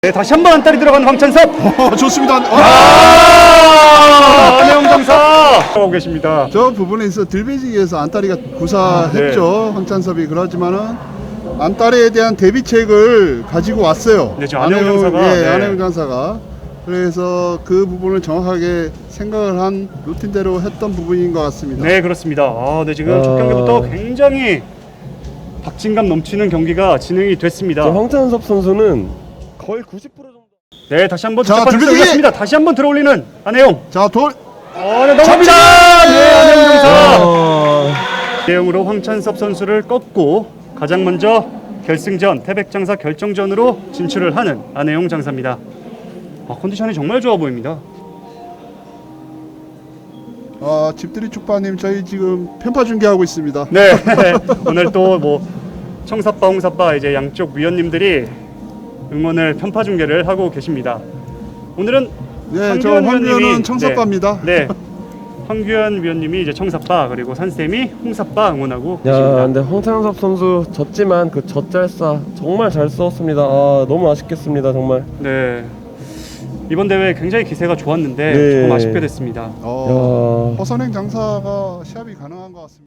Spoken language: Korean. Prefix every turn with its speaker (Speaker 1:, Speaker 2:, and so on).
Speaker 1: 네, 다시 한번 안달이 들어간 황찬섭.
Speaker 2: 좋습니다.
Speaker 1: 안혜영 장사 하고 계십니다.
Speaker 2: 저 부분에 있어 들배지기에서 안따리가 구사했죠. 황찬섭이. 그렇지만은 안따리에 대한 대비책을 가지고 왔어요.
Speaker 1: 네, 저 안혜영 장사가.
Speaker 2: 예,
Speaker 1: 네.
Speaker 2: 안혜영 장사가. 그래서 그 부분을 정확하게 생각을 한 루틴대로 했던 부분인 것 같습니다.
Speaker 1: 네, 그렇습니다. 네, 지금 첫 경기부터 굉장히 박진감 넘치는 경기가 진행이 됐습니다.
Speaker 3: 황찬섭 선수는 거의 90% 정도.
Speaker 1: 네, 다시 한번
Speaker 2: 자,
Speaker 1: 들배지기
Speaker 2: 들배지기!
Speaker 1: 올렸습니다. 다시 한번 들어올리는 안혜영.
Speaker 2: 자, 돌.
Speaker 1: 네, 넘어갑니다. 네, 안혜영 장사.
Speaker 3: 어...
Speaker 1: 대형으로 황찬섭 선수를 꺾고 가장 먼저 결승전 태백장사 결정전으로 진출을 하는 안혜영 장사입니다. 컨디션이 정말 좋아 보입니다.
Speaker 2: 집들이 축파님, 저희 지금 편파 중계하고 있습니다.
Speaker 1: 네, 오늘 또 뭐 청사빠, 홍사빠 이제 양쪽 위원님들이 응원을 편파 중계를 하고 계십니다. 오늘은
Speaker 2: 네, 저 황규현은 청사빠입니다.
Speaker 1: 네, 황규현 위원님이 이제 청사빠, 그리고 산쌤이 홍사빠 응원하고
Speaker 3: 야,
Speaker 1: 계십니다.
Speaker 3: 근데 황찬섭 선수 졌지만 그 젖잘싸 정말 잘 싸웠습니다. 너무 아쉽겠습니다, 정말.
Speaker 1: 네, 이번 대회 굉장히 기세가 좋았는데
Speaker 3: 네.
Speaker 1: 조금 아쉽게 됐습니다.
Speaker 3: 야.
Speaker 2: 허선행 장사가 시합이 가능한 것 같습니다.